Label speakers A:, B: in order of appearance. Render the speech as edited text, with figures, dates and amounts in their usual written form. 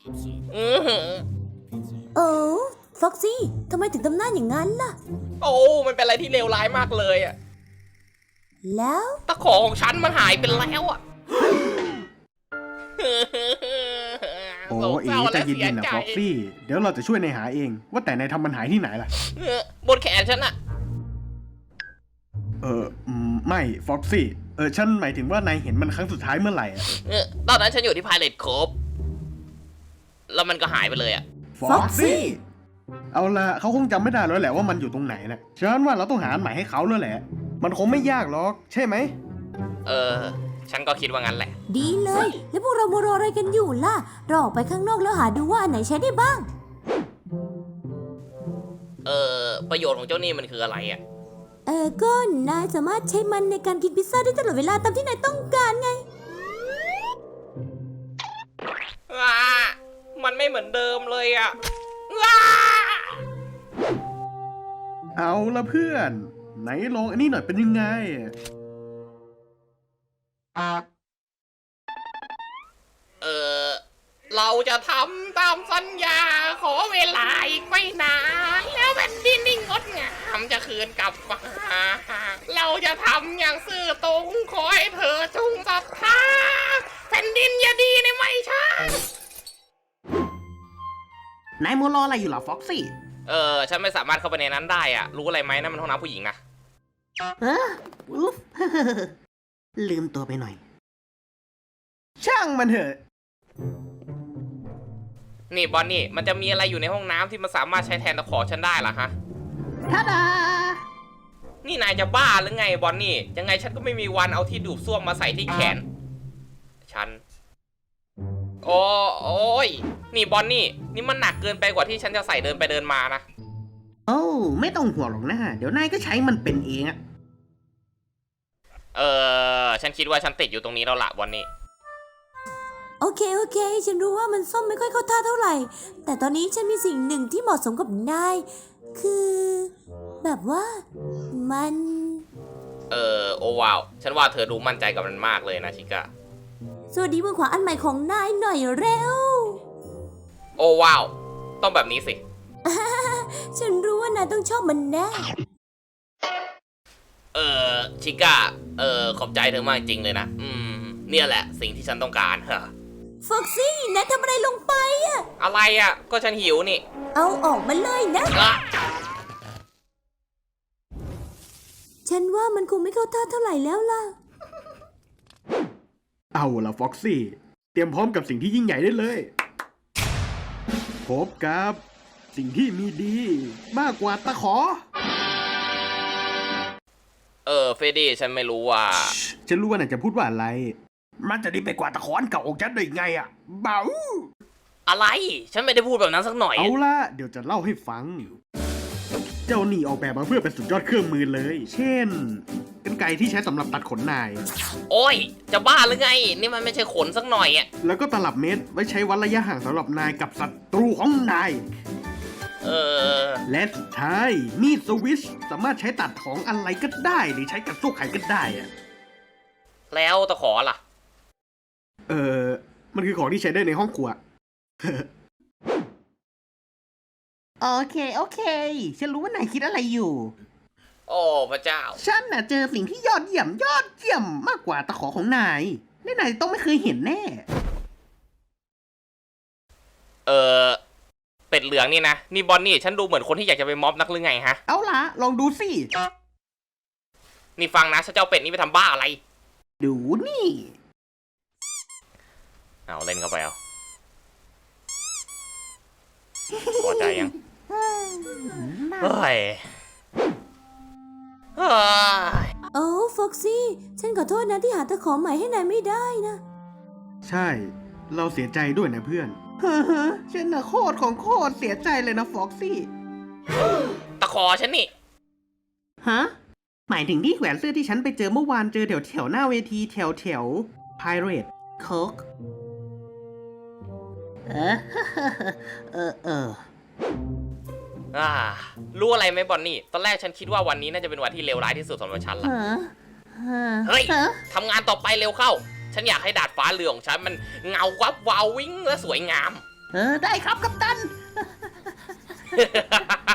A: โอ้ฟ็อกซี่ทำไมถึงทำหน้าอย่างนั้นล่ะ
B: โอ้มันเป็นอะไรที่เลวร้ายมากเลยอะ
A: แล้ว
B: ตะขอของฉันมันหายไปแล้วอะ
C: โอ้เอ๋ใจเย็นๆนะฟ็อกซี่เดี๋ยวเราจะช่วยนายหาเองว่าแต่นายทำมันหายที่ไหนล่ะ
B: บนแขนฉันอะ
C: ไม่ฟ็อกซี่ฉันหมายถึงว่านายเห็นมันครั้งสุดท้ายเมื่อไหร่อะ
B: ตอนนั้นฉันอยู่ที่ Pirate Cove แล้วมันก็หายไปเลยอะ
C: ฟ็อกซี่เอาละเขาคงจำไม่ได้แล้วแหละว่ามันอยู่ตรงไหนนะฉันว่าเราต้องหาอันใหม่ให้เขาแล้วแหละมันคงไม่ยากหรอกใช่ไหม
B: ฉันก็คิดว่างั้นแหละ
A: ดีเลย แล้วพวกเราโมรออะไรกันอยู่ล่ะเราออกไปข้างนอกแล้วหาดูว่าอันไหนใช้ได้บ้าง
B: ประโยชน์ของเจ้านี่มันคืออะไรอะ
A: ก็นายสามารถใช้มันในการกินพิซซ่าได้ตลอดเวลาตามที่นายต้องการไง
B: มันไม่เหมือนเดิมเลยอะ
C: เอาละเพื่อนไหนลองอันนี้หน่อยเป็นยังไง
B: เราจะทำตามสัญญาขอเวลาอีกไม่นานแล้วแผ่นดินที่งดงามจะคืนกลับมาเราจะทำอย่างซื่อตรงขอให้เธอจงศรัทธาแผ่นดินอย่าดีในไม่ช้าน
D: ายมัวรออะไรอยู่เหรอฟ็อกซี่
B: ฉันไม่สามารถเข้าไปในนั้นได้อะรู้อะไรไหมนั่นมันห้องน้ำผู้หญิงนะ
D: อุ๊ฟ ลืมตัวไปหน่อย
C: ช่างมันเถอะ
B: นี่บอนนี่มันจะมีอะไรอยู่ในห้องน้ำที่มันสามารถใช้แทนตะขอฉันได้ล่ะฮะ
D: ทาดา
B: นี่นายจะบ้าหรือไงบอนนี่ยังไงฉันก็ไม่มีวันเอาที่ดูดซ่วมมาใส่ที่แขนฉันโอ้ยนี่บอนนี่นี่มันหนักเกินไปกว่าที่ฉันจะใส่เดินไปเดินมานะ
D: โอ้ไม่ต้องห่วงหรอกนะเดี๋ยวนายก็ใช้มันเป็นเองอะ
B: ฉันคิดว่าฉันติดอยู่ตรงนี้แล้วล่ะบอนนี่
A: โอเคฉันรู้ว่ามันส้มไม่ค่อยเข้าท่าเท่าไหร่ แต่ตอนนี้ฉันมีสิ่งหนึ่งที่เหมาะสมกับนาย คือ แบบว่า มัน
B: โอ้ว้าวฉันว่าเธอดูมั่นใจกับมันมากเลยนะชิก้า
A: สวัสดีมือขวาอันใหม่ของนายหน่อยเร็ว
B: โอ้ว้าวต้องแบบนี้สิ
A: ฉันรู้ว่านายต้องชอบมันแน่
B: ชิก้าขอบใจเธอมากจริงเลยนะเนี่ยแหละสิ่งที่ฉันต้องการ
A: ฟ็อกซี่นายทำอะไรลงไปอะ
B: อะไรอะก็ฉันหิวนี่
A: เอาออกมาเลยนะ ฉันว่ามันคงไม่เข้าท่าเท่าไหร่แล้วล่ะ
C: เอาละฟ็อกซี่เตรียมพร้อมกับสิ่งที่ยิ่งใหญ่ได้เลยพบกับสิ่งที่มีดีมากกว่าตะขอ
B: เฟรดดี้ฉันไม่รู้ว่า
C: ฉันรู้ว่านายจะพูดว่าอะไร มันจะดีไปกว่าตะขออันเก่าของฉันได้ไงอะเบา
B: อะไรฉันไม่ได้พูดแบบนั้นสักหน่อย
C: เอาล่ะเดี๋ยวจะเล่าให้ฟัง เจ้านี่ออกแบบมาเพื่อเป็นสุดยอดเครื่องมือเลย เช่นกรรไกรที่ใช้สำหรับตัดขนนาย
B: โอ้ยจะบ้าหรือไงนี่มันไม่ใช่ขนสักหน่อยอะ
C: แล้วก็ตลับเมตรไว้ใช้วัดระยะห่างสำหรับนายกับศัตรูของนาย และสุดท้ายมีดสวิชสามารถใช้ตัดของอะไรก็ได้หรือใช้กับสู้ไข่ก็ได้อะ
B: แล้วตะขอล่ะ
C: มันคือของที่ใช้ได้ในห้องครัว
D: โอเคฉันรู้ว่านายคิดอะไรอยู่
B: โอ้พระเจ้า
D: ฉันน่ะเจอสิ่งที่ยอดเยี่ยมมากกว่าตะขอของนายและนายต้องไม่เคยเห็นแน่
B: เป็ดเหลืองนี่นะนี่บอนนี่ฉันดูเหมือนคนที่อยากจะไปม็อบนักหรือไงฮะ
D: เอาล่ะลองดูสิ
B: นี่ฟังนะฉันจะเอาเป็ดนี่ไปทำบ้าอะไร
D: ดูนี่
B: เอาเล่นเข้าไปเอาพอใจยังเฮ้ย
A: โอ้ฟ็อกซี่ฉันขอโทษนะที่หาตะขอใหม่ให้นายไม่ได้นะ
C: ใช่ เราเสียใจด้วยนะเพื่อน
D: ฉันน่ะโคตรเสียใจเลยนะฟ็อกซี่
B: ตะขอฉันนี่
D: ฮะ หมายถึงที่แขวนเสื้อที่ฉันไปเจอเมื่อวานเจอแถวหน้าเวทีแถว Pirate Cove
B: รู้อะไรไหมบอนนี่ตอนแรกฉันคิดว่าวันนี้น่าจะเป็นวันที่เลวร้ายที่สุดสำหรับฉันละเฮ้ยทำงานต่อไปเร็วเข้า ฉันอยากให้ดาดฟ้าเรือของฉันมันเงาวับวาววิ่งและสวยงาม
D: ได้ครับกัปตัน